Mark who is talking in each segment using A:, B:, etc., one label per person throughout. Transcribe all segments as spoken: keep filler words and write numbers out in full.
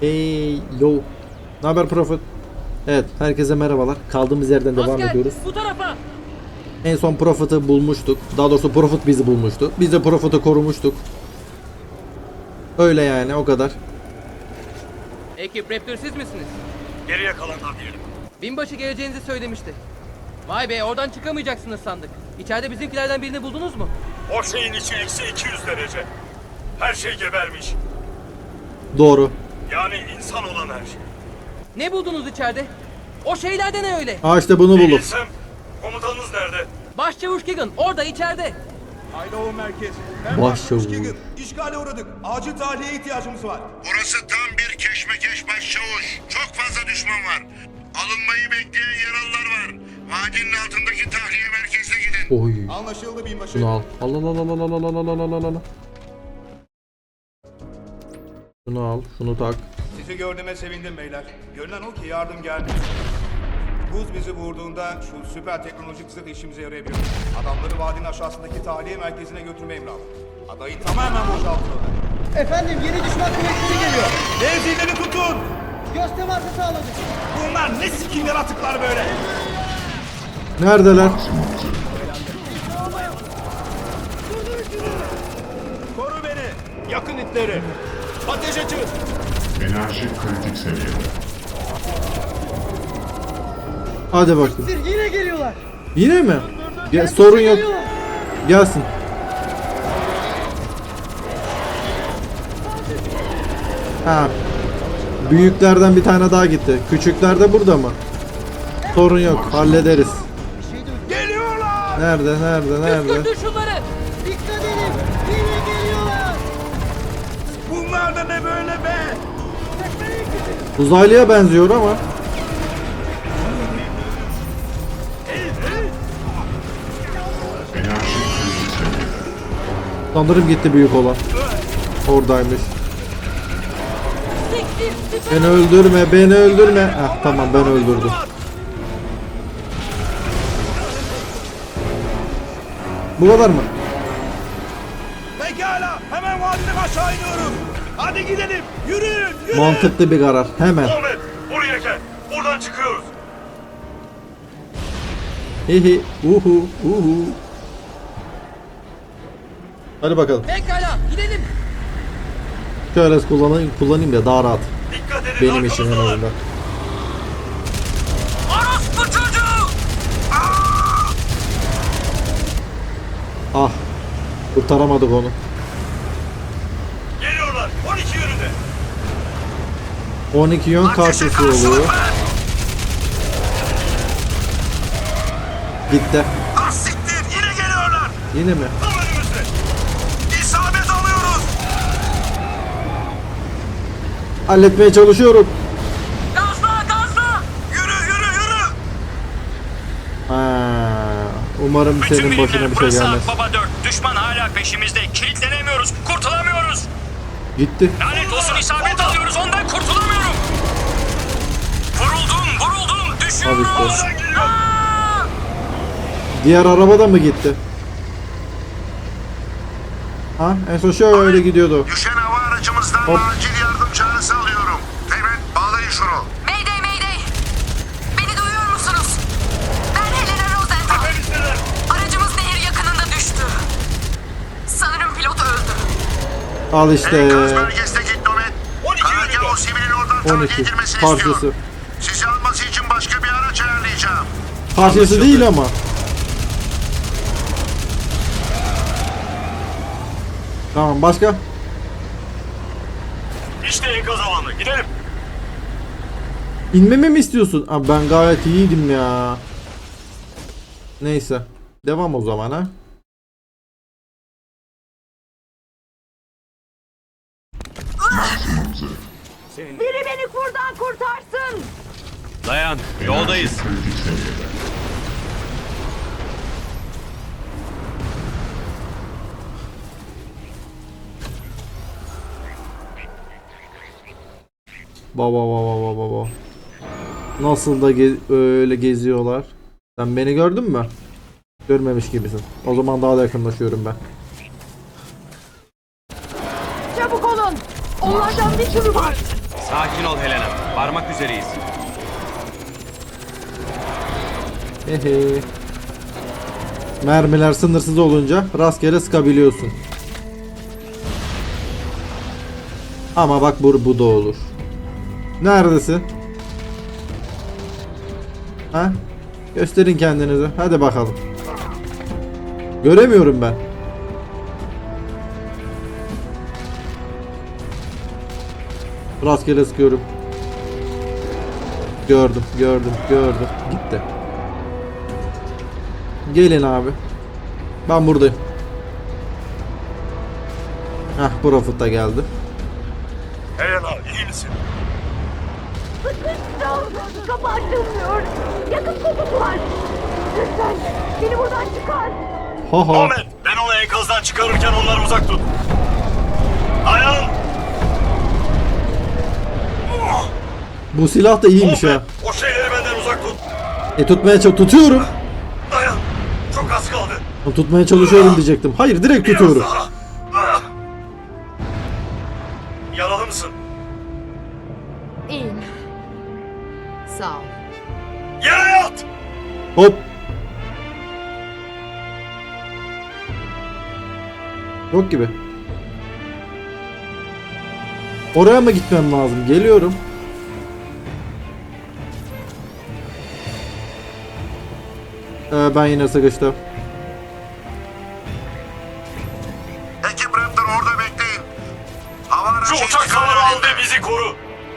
A: Hey yo. Ne haber Profit? Evet, herkese merhabalar. Kaldığımız yerden devam
B: Asker,
A: ediyoruz.
B: bu tarafa.
A: En son Profit'ı bulmuştuk. Daha doğrusu Profit bizi bulmuştu. Biz de Profit'ı korumuştuk. Öyle yani, o kadar.
B: Ekip Raptor siz misiniz?
C: Geriye kalanlar diyelim.
B: Binbaşı geleceğinizi söylemişti. Vay be, oradan çıkamayacaksınız sandık. İçeride bizimkilerden birini buldunuz mu?
C: O şeyin içi eksi iki yüz derece. Her şey gebermiş.
A: Doğru.
C: Yani insan olan her şey.
B: Ne buldunuz içeride? O şeylerde ne öyle?
A: Aa, işte bunu
C: Ne
A: bulduk.
C: bilsem, komutanınız nerede?
B: Başçavuş Keegan orada içeride.
D: Idaho merkez. Ben
A: Başçavuş.
D: Keegan. İşgale uğradık. Acil tahliye ihtiyacımız var.
E: Burası tam bir keşmekeş başçavuş. Çok fazla düşman var. Alınmayı bekleyen yaralılar var. Vadinin altındaki tahliye merkezine gidin.
A: Oy.
D: Anlaşıldı binbaşı.
A: Şunu al. Al al al al al al al al al al al. Şunu al. Şunu tak.
D: Sizi gördüğüme sevindim beyler. Görünen o ki yardım geldi. Buz bizi vurduğunda şu süper teknolojik zırh işimize yarayabilir. Adamları vadinin aşağısındaki tahliye merkezine götürme emri aldım. Adayı tamamen boşaltıyorlar.
F: Efendim yeni düşman kuvvetleri geliyor.
D: Mevzileri tutun!
F: Göz teması sağladık.
D: Bunlar ne sikim yaratıklar böyle?
A: Neredeler?
D: Koru beni! Yakın itleri! Ateş açın!
G: Enerji kritik seviyede.
A: Hadi bakayım.
F: Sir yine geliyorlar.
A: Yine mi? Ya, sorun yok.
F: Geliyorlar.
A: Gelsin. Ha. Büyüklerden bir tane daha gitti. Küçükler de burada mı? Sorun yok. Hallederiz.
F: Bir şey duydum.
D: Geliyorlar!
A: Nerede? Nerede? Nerede?
B: Öldür şunları.
F: Dikkat edin. Yine geliyorlar.
D: Bunlar da ne böyle be?
A: Uzaylıya benziyor ama.
G: Enerji kritik seviyede.
A: Sanırım gitti büyük olan. Oradaymış. Beni öldürme, beni öldürme. Heh, tamam, ben öldürdüm. Bu kadar mı?
D: Pekala! Hemen vadiden aşağı iniyoruz! Hadi gidelim! Yürüyün! Yürüyün!
A: Mantıklı bir karar. Hemen.
C: Ahmet, buraya gel. Buradan çıkıyoruz.
A: Hihi. Uhu. Uhu. Hadi bakalım.
B: Pekala gidelim.
A: Şöyle kullanayım, kullanayım da daha rahat.
C: Dikkat edin.
A: Benim işim en
C: arkamızdalar.
A: azından.
B: Orospu çocuğu.
A: Ah. Kurtaramadık onu.
C: Geliyorlar. on iki yönünde.
A: on iki yön karşısı oluyor. Gitti.
E: Ah siktir! Yine geliyorlar!
A: Yine mi?
C: Tam önümüzde.
E: İsabet alıyoruz!
A: Halletmeye çalışıyorum.
B: Gazla gazla.
E: Yürü yürü yürü!
A: Ha, umarım senin başına bir şey gelmez.
C: Baba dört. Düşman hala peşimizde. Kilitlenemiyoruz. Kurtulamıyoruz.
A: Gitti.
C: Lanet olsun, isabet alıyoruz. Ondan kurtulamıyorum. Vuruldum, vuruldum. Düşüyorum.
A: Al işte.
C: Oradan geliyor.
A: Diğer araba da mı gitti? Ha, en son şöyle gidiyordu.
E: Düşen hava aracımızdan
A: Hop.
E: acil yardım çağrısı alıyorum. Teğmen bağlayın şunu.
H: Mayday mayday. Beni duyuyor musunuz? Ben Helena Rosenthal.
C: Tepemizdeler.
H: Aracımız nehir yakınında düştü. Sanırım pilot öldü.
A: Al işte.
E: Enkaz bölgesindeki Nomet.
C: on iki
E: Karargah
C: yönünde.
E: o sivilin oradan
A: on
E: tahliye
A: iki.
E: edilmesini
A: Parçası.
E: istiyor. Sizi alması için başka bir araç ayarlayacağım.
A: Parçası değil ama. Tamam, başka?
C: İşte enkaz alanı. Gidelim.
A: İnmemi mi istiyorsun? Abi ben gayet iyiydim ya. Neyse. Devam o zaman ha.
G: Maksimum zırh.
H: Biri beni kurdan kurtarsın.
C: Dayan. Yoldayız.
G: Enerji kritik seviyede.
A: Baba baba baba baba. Nasıl da ge öyle geziyorlar. Sen beni gördün mü? Görmemiş gibisin. O zaman daha da yakınlaşıyorum ben.
H: Çabuk olun. Onlardan bir sürü var.
I: Sakin ol Helena. Varmak üzereyiz.
A: Hehe. Mermiler sınırsız olunca rastgele sıkabiliyorsun. Ama bak bu, bu da olur. Neredesin? Ha? Gösterin kendinizi. Hadi bakalım. Göremiyorum ben. Rastgele sıkıyorum. Gördüm, gördüm, gördüm. Gitti. Gelin abi. Ben buradayım. Heh, Profit da geldi.
C: Helena iyi misin?
H: Kapı açılmıyor. Yakın kokusu var. Lütfen beni buradan çıkar.
A: Ha ha.
C: Ahmet ben onu enkazdan çıkarırken onları uzak tut. Dayan.
A: Bu silah da iyiymiş ha.
C: Ahmet, o şeyleri benden uzak tut.
A: E tutmaya çalış tutuyorum.
C: Dayan. Çok az kaldı.
A: Tutmaya çalışıyorum diyecektim. Hayır, direkt
C: Biraz
A: tutuyorum.
C: daha. Ah. Yaralı mısın?
H: İyiyim. Sağ ol.
C: Yere yat.
A: Hop. Yok gibi. Oraya mı gitmem lazım? Geliyorum. Ee, ben yine sıkıştım.
E: Ekip Raptor orada bekleyin. Hava
C: Şu
E: aracı
C: uçak
E: intikal
C: havalı al
E: edildi.
C: ve bizi koru.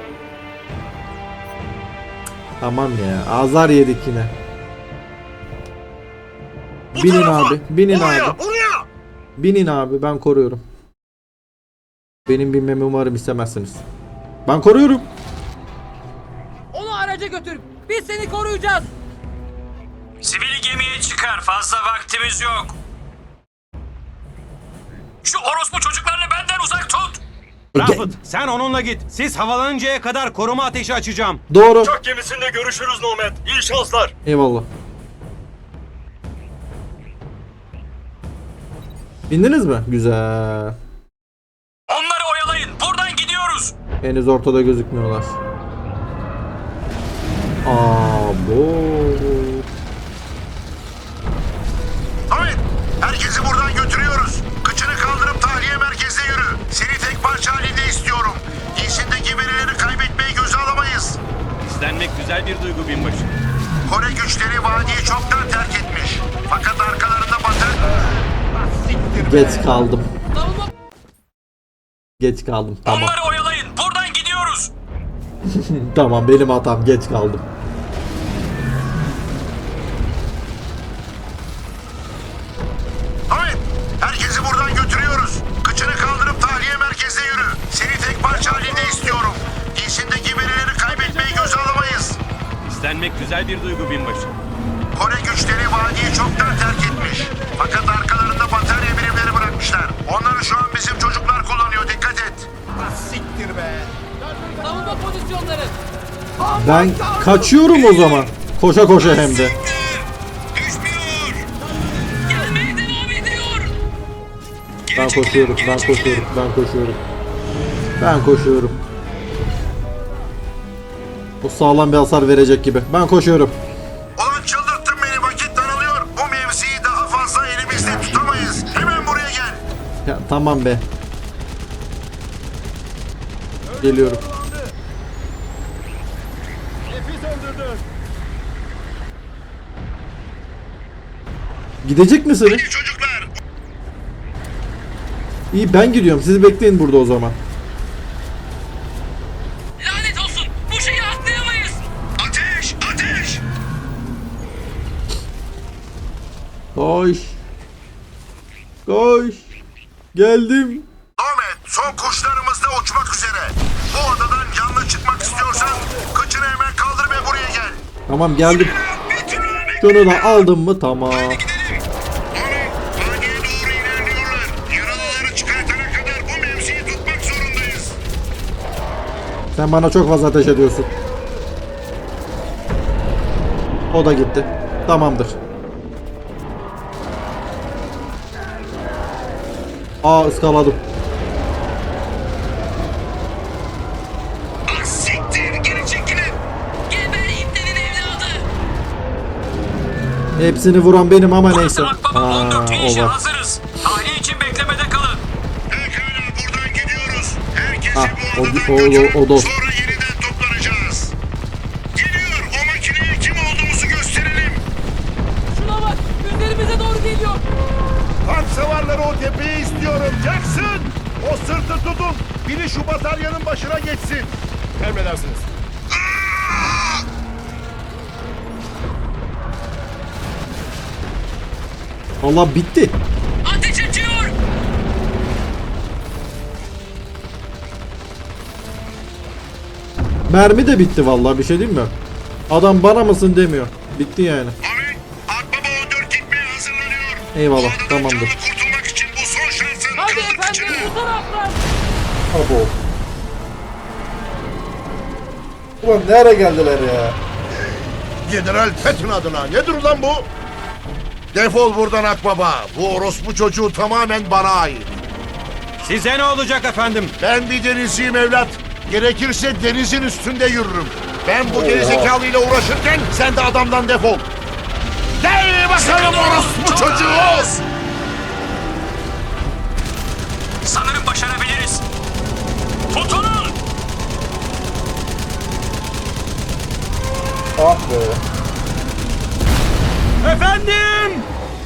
A: Tamam ya. Azar yedik yine.
C: Bu
A: Binin
C: tarafa.
A: abi. Binin
C: Oraya,
A: abi.
C: oraya.
A: Binin abi. Ben koruyorum. Benim binmemi umarım istemezsiniz. Ben koruyorum.
B: Onu araca götür. Biz seni koruyacağız.
I: Sivili gemiye çıkar. Fazla vaktimiz yok. Şu orospu çocuklarını benden uzak tut. Rafet, sen onunla git. Siz havalanıncaya kadar koruma ateşi açacağım.
A: Doğru.
C: Uçak gemisinde görüşürüz Nomad. İyi şanslar.
A: Eyvallah. Bindiniz mi? Güzel.
I: Onları oyalayın. Buradan gidiyoruz.
A: Henüz ortada gözükmüyorlar. Abo.
E: Ahmet, herkesi buradan götürüyoruz. Kıçını kaldırıp tahliye merkezine yürü. Seni tek parça halinde istiyorum. Giysindeki verileri kaybetmeyi göze alamayız.
I: İstenmek güzel bir duygu binbaşı.
E: Kore güçleri vadiyi çoktan terk etmiş. Fakat arkalarında batı...
A: Geç kaldım.
B: Savunma
A: Geç kaldım. Tamam.
I: Onları oyalayın. Buradan gidiyoruz.
A: Tamam, benim hatam. Geç kaldım.
E: Ahmet, herkesi buradan götürüyoruz. Kıçını kaldırıp tahliye merkezine yürü. Seni tek parça halinde istiyorum. Giysindeki verileri kaybetmeyi göze alamayız.
I: İstenmek güzel bir duygu binbaşı.
E: Kore güçleri vadiyi çoktan terk etmiş. Fakat arkalarında batarya birimleri bırakmışlar. Onları şu an bizim çocuklar kullanıyor. Dikkat et.
B: savunma pozisyonları.
A: Ben kaçıyorum o zaman. Koşa koşa hem de.
E: Düşmüyor.
I: Gelmeye devam ediyor.
A: Ben koşuyorum, ben koşuyorum, ben koşuyorum. Ben koşuyorum. O sağlam bir hasar verecek gibi. Ben koşuyorum.
E: Ulan çıldırttın beni. Vakit daralıyor. Bu mevziyi daha fazla elimizde tutamayız. Hemen buraya gel.
A: Ya tamam be. Geliyorum. Gidecek misiniz?
E: İyi çocuklar.
A: İyi, ben gidiyorum. Siz bekleyin burada o zaman.
I: Lanet olsun. Bu şeyi atlayamayız.
E: Ateş! Ateş!
A: Koş. Koş. Geldim.
E: Ahmet, son kuşlarımız da uçmak üzere. Bu odadan canlı çıkmak istiyorsan kıçını hemen kaldır ve buraya gel.
A: Tamam, geldim.
E: Bitir Ahmet.
A: Şunu da aldım mı? Tamam.
E: Ahmet, vadiye doğru ilerliyorlar. Yaralıları çıkartana kadar bu mevziyi tutmak zorundayız.
A: Sen bana çok fazla ateş ediyorsun. O da gitti. Tamamdır. Aa, ıskaladım.
E: Az
A: Hepsini vuran benim ama neyse.
I: Akbaba
A: Aa,
I: on dört
A: o
I: inişe
A: var.
I: hazırız. Tahliye için beklemede kalın.
E: Pekala buradan gidiyoruz. Herkesi
A: Ha,
E: bu
A: o-
E: odadan
A: o- o-
E: götürün.
A: o dost.
E: Sonra yeniden toplanacağız. Geliyor. O makineye kim olduğumuzu gösterelim.
B: Şuna bak, üzerimize doğru geliyor.
E: Tank savarları o tepeyi istiyorum. Jackson! O sırtı tutun. Biri şu bataryanın başına geçsin. Emredersiniz.
A: Allah bitti.
I: Ateş açıyor.
A: Mermi de bitti vallahi, bir şey diyeyim mi? Adam bana mısın demiyor. Bitti yani.
E: Abi, Akbaba on dört gitmeye hazırlanıyor.
A: Eyvallah,
E: Bu adadan
A: tamamdır.
E: canlı kurtulmak için bu son şansın.
B: Hadi
E: Kırdık
B: efendim,
E: içine.
B: bu taraftan.
A: Abo. Ulan nereye geldiler ya?
E: General Patton adına. Nedir lan bu? Defol buradan Akbaba. Bu orospu çocuğu tamamen bana ait.
I: Size ne olacak efendim?
E: Ben bir denizciyim evlat. Gerekirse denizin üstünde yürürüm. Ben bu gerizekalıyla uğraşırken sen de adamdan defol. Gel bakalım orospu çocuğu.
I: Sanırım başarabiliriz. Tutunun.
A: Ah be.
I: Efendim.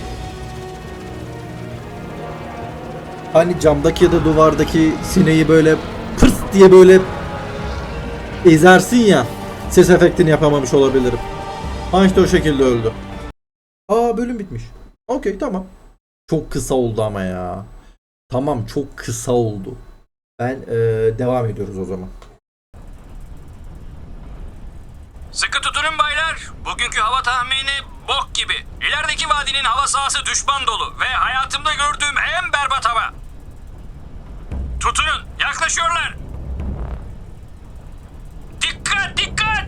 A: Hani camdaki ya da duvardaki sineği böyle pırs diye böyle ezersin ya. Ses efektini yapamamış olabilirim. Ha işte o şekilde öldü. Aa, bölüm bitmiş. Okey, tamam. Çok kısa oldu ama ya. Tamam, çok kısa oldu. Ben eee, devam ediyoruz o zaman.
I: Sıkı tutunun baylar. Bugünkü hava tahmini bok gibi. İlerideki vadinin hava sahası düşman dolu ve hayatımda gördüğüm en berbat hava. Tutunun, yaklaşıyorlar. Dikkat, dikkat!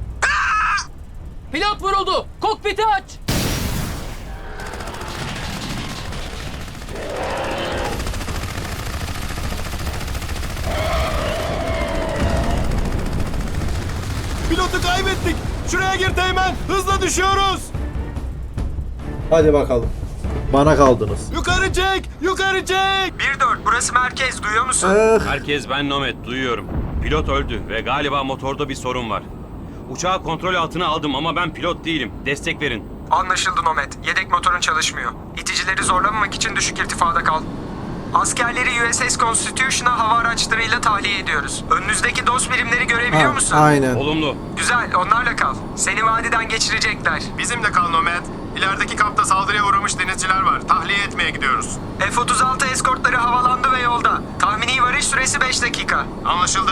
B: Pilot vuruldu. Kokpiti aç.
I: Pilotu kaybettik. Şuraya gir Teğmen. Hızla düşüyoruz.
A: Hadi bakalım. Bana kaldınız.
I: Yukarı çek, yukarı çek. bir dört, burası merkez. Duyuyor musun?
A: Eh,
I: Herkes, ben Nomad, duyuyorum. Pilot öldü ve galiba motorda bir sorun var. Uçağı kontrol altına aldım ama ben pilot değilim. Destek verin.
J: Anlaşıldı Nomad. Yedek motorun çalışmıyor. İticileri zorlamamak için düşük irtifada kal. Askerleri U S S Constitution'a hava araçlarıyla tahliye ediyoruz. Önünüzdeki dost birimleri görebiliyor
A: ha,
J: musun?
A: aynen.
I: Olumlu.
J: Güzel, onlarla kal. Seni vadiden geçirecekler.
E: Bizimle kal Nomad. İlerideki kampta saldırıya uğramış denizciler var. Tahliye etmeye gidiyoruz.
J: F otuz altı eskortları havalandı ve yolda. Tahmini varış süresi beş dakika.
E: Anlaşıldı.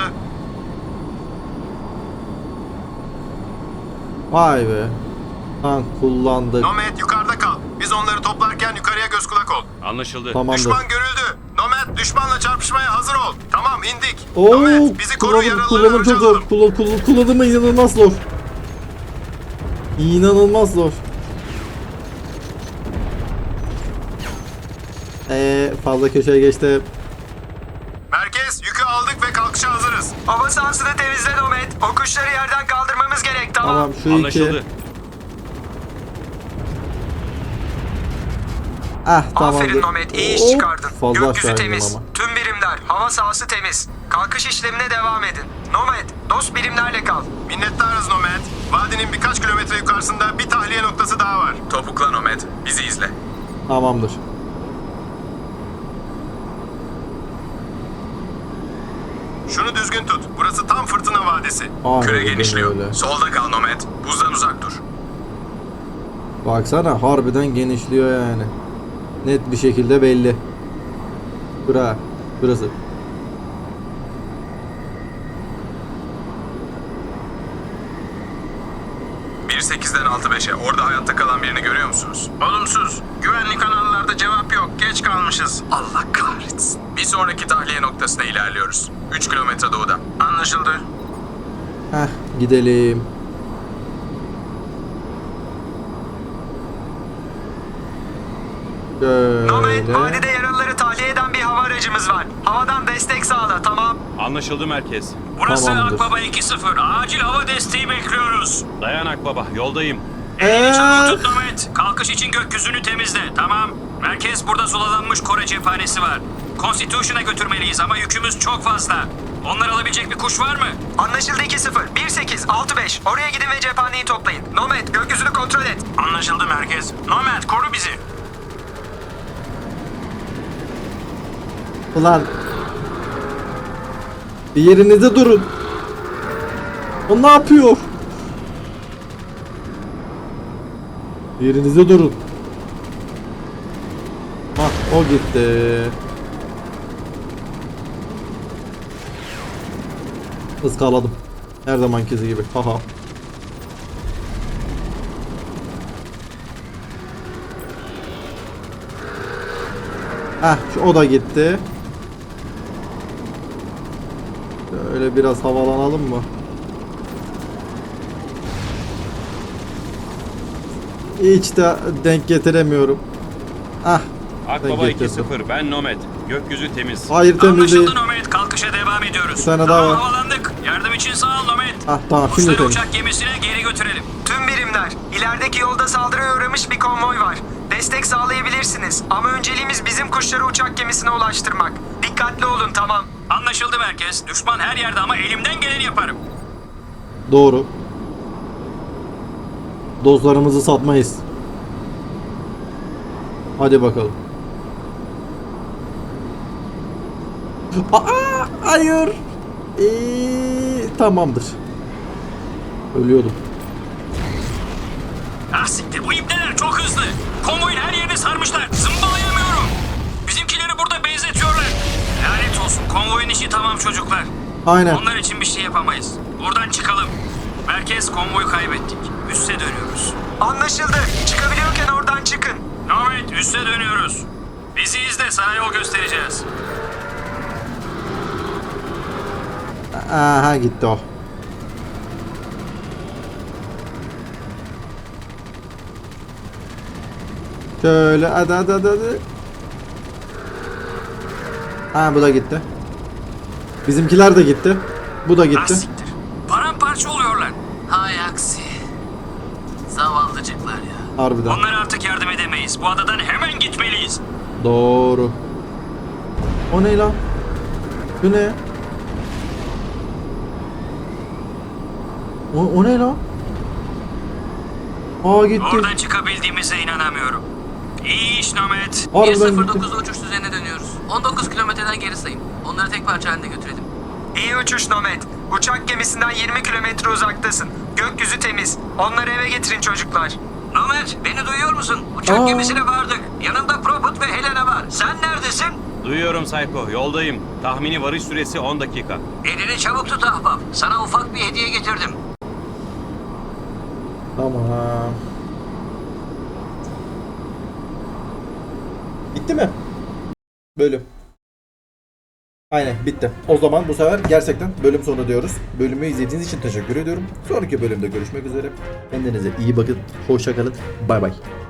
A: Vay be. Tank kullandık.
E: Nomad yukarıda kal. Biz onları toplarken yukarıya göz kulak ol.
I: Anlaşıldı.
A: Tamamdır.
E: Düşman görüldü. Nomad düşmanla çarpışmaya hazır ol. Tamam indik.
A: Oo,
E: Nomad bizi koru,
A: kullanım,
E: yaralıları
A: kullanım çok
E: önce
A: zor.
E: alalım.
A: Kullan, kullan, kullanımı inanılmaz zor. İnanılmaz zor. Eee fazla köşeye geçti.
E: Merkez yükü aldık ve kalkışa hazırız.
J: Hava sahasını temizle Nomad. O kuşları yerden kaldırmamız gerek, tamam.
A: Tamam, şu
I: Anlaşıldı.
A: iki. Ah, tamamdır.
J: Aferin Nomad, iyi iş
A: Hop,
J: çıkardın.
A: fazla
J: Gökyüzü
A: aşağı
J: temiz.
A: indim ama.
J: Tüm birimler, hava sahası temiz. Kalkış işlemine devam edin. Nomad, dost birimlerle kal.
E: Minnettarız Nomad. Vadinin birkaç kilometre yukarısında bir tahliye noktası daha var.
J: Topukla Nomad, bizi izle.
A: Tamamdır.
E: Şunu düzgün tut. Burası tam fırtına vadisi.
A: Aynen
J: Küre
A: öyle.
J: genişliyor. Solda kal Nomad. Buzdan uzak dur.
A: Baksana, harbiden genişliyor yani. Net bir şekilde belli. Bura, burası.
J: bir sekizden altı beşe. Orada hayatta kalan birini görüyor musunuz? Olumsuz. Güvenlik kanallarda cevap yok. Geç kalmışız. Allah kahretsin. Bir sonraki tahliye noktasına ilerliyoruz. üç kilometre doğuda. Anlaşıldı.
A: Heh, gidelim.
J: Nomad,
A: Şöyle.
J: vadide yaralıları tahliye eden bir hava aracımız var. Havadan destek sağla, tamam.
I: Anlaşıldı merkez.
A: Burası Tamamdır.
I: Akbaba iki sıfır. Acil hava desteği bekliyoruz. Dayan Akbaba, yoldayım. Elini çabuk
A: Eee.
I: tut Nomad. Kalkış için gökyüzünü temizle. Tamam. Merkez burada sulalanmış Kore cephanesi var. Constitution'a götürmeliyiz ama yükümüz çok fazla. Onları alabilecek bir kuş var mı?
K: Anlaşıldı iki sıfır. bir sekiz altı beş. Oraya gidin ve cephaneyi toplayın. Nomad gökyüzünü kontrol et.
I: Anlaşıldı merkez. Nomad koru bizi.
A: Ulan. Bir yerinizde durun. O ne yapıyor? Bir yerinizde durun. Hah, o gitti. Iskaladım. Her zamanki gibi. Haha. Heh, şu o da gitti. Şöyle biraz havalanalım mı? Hiç de denk getiremiyorum. Ah. denk
L: Akbaba iki
A: getirdim.
L: sıfır, ben Nomad. Gökyüzü temiz.
A: Hayır, temiz değil.
I: Anlaşıldı Nomad. Kalkışa devam ediyoruz.
A: Bir tane
I: tamam,
A: daha var.
I: havalandık. Yardım için sağ ol Nomad.
A: Ah tamam, şimdi
I: Kuşları
A: temiz.
I: uçak gemisine geri götürelim.
K: Tüm birimler, ilerideki yolda saldırıya uğramış bir konvoy var. Destek sağlayabilirsiniz ama önceliğimiz bizim kuşları uçak gemisine ulaştırmak. Dikkatli olun, tamam.
I: Anlaşıldı merkez. Düşman her yerde ama elimden geleni yaparım.
A: Doğru. Dostlarımızı satmayız. Hadi bakalım. Aa, hayır. Ee, tamamdır. Ölüyordum.
I: Ah siktir, bu ipneler çok hızlı. Konvoyun her yerini sarmışlar. Zımbalayamıyorum. Bizimkileri burada benzetiyorlar. Lanet olsun, konvoyun işi tamam çocuklar.
A: Aynen.
I: Onlar için bir şey yapamayız. Buradan çıkalım. Merkez, konvoyu kaybettik. Üste dönüyoruz.
K: Anlaşıldı. Çıkabiliyorken oradan çıkın.
I: Nomad, üste dönüyoruz. Bizi izle, sana yol göstereceğiz.
A: Aha, gitti o. Şöyle hadi hadi hadi hadi. Ha, bu da gitti. Bizimkiler de gitti. Bu da
I: Ah
A: gitti.
I: siktir. Paramparça oluyorlar. Hay aksi. Zavallıcıklar ya.
A: Harbiden.
I: Onlara artık yardım edemeyiz. Bu adadan hemen gitmeliyiz.
A: Doğru. O ne lan? Bu ne? O, o ne lan? Aa, gitti.
I: Oradan çıkabildiğimize inanamıyorum. İyi iş Nomad.
A: Harbiden gitti.
B: uçuş düzenine dönüyoruz. on dokuz kilometreden geri sayın. Onları tek parça halinde götürelim.
K: İyi uçuş Nomad. Uçak gemisinden yirmi kilometre uzaktasın. Gökyüzü temiz. Onları eve getirin çocuklar.
I: Nomad, beni duyuyor musun? Uçak
A: Aa.
I: gemisine vardık. Yanında Proput ve Helena var. Sen neredesin?
L: Duyuyorum Psycho, yoldayım. Tahmini varış süresi on dakika.
I: Elini çabuk tut ahbap. Sana ufak bir hediye getirdim.
A: Tamam. Bitti mi? Bölüm. Aynen, bitti. O zaman bu sefer gerçekten bölüm sonu diyoruz. Bölümü izlediğiniz için teşekkür ediyorum. Sonraki bölümde görüşmek üzere. Kendinize iyi bakın. Hoşça kalın. Bay bay.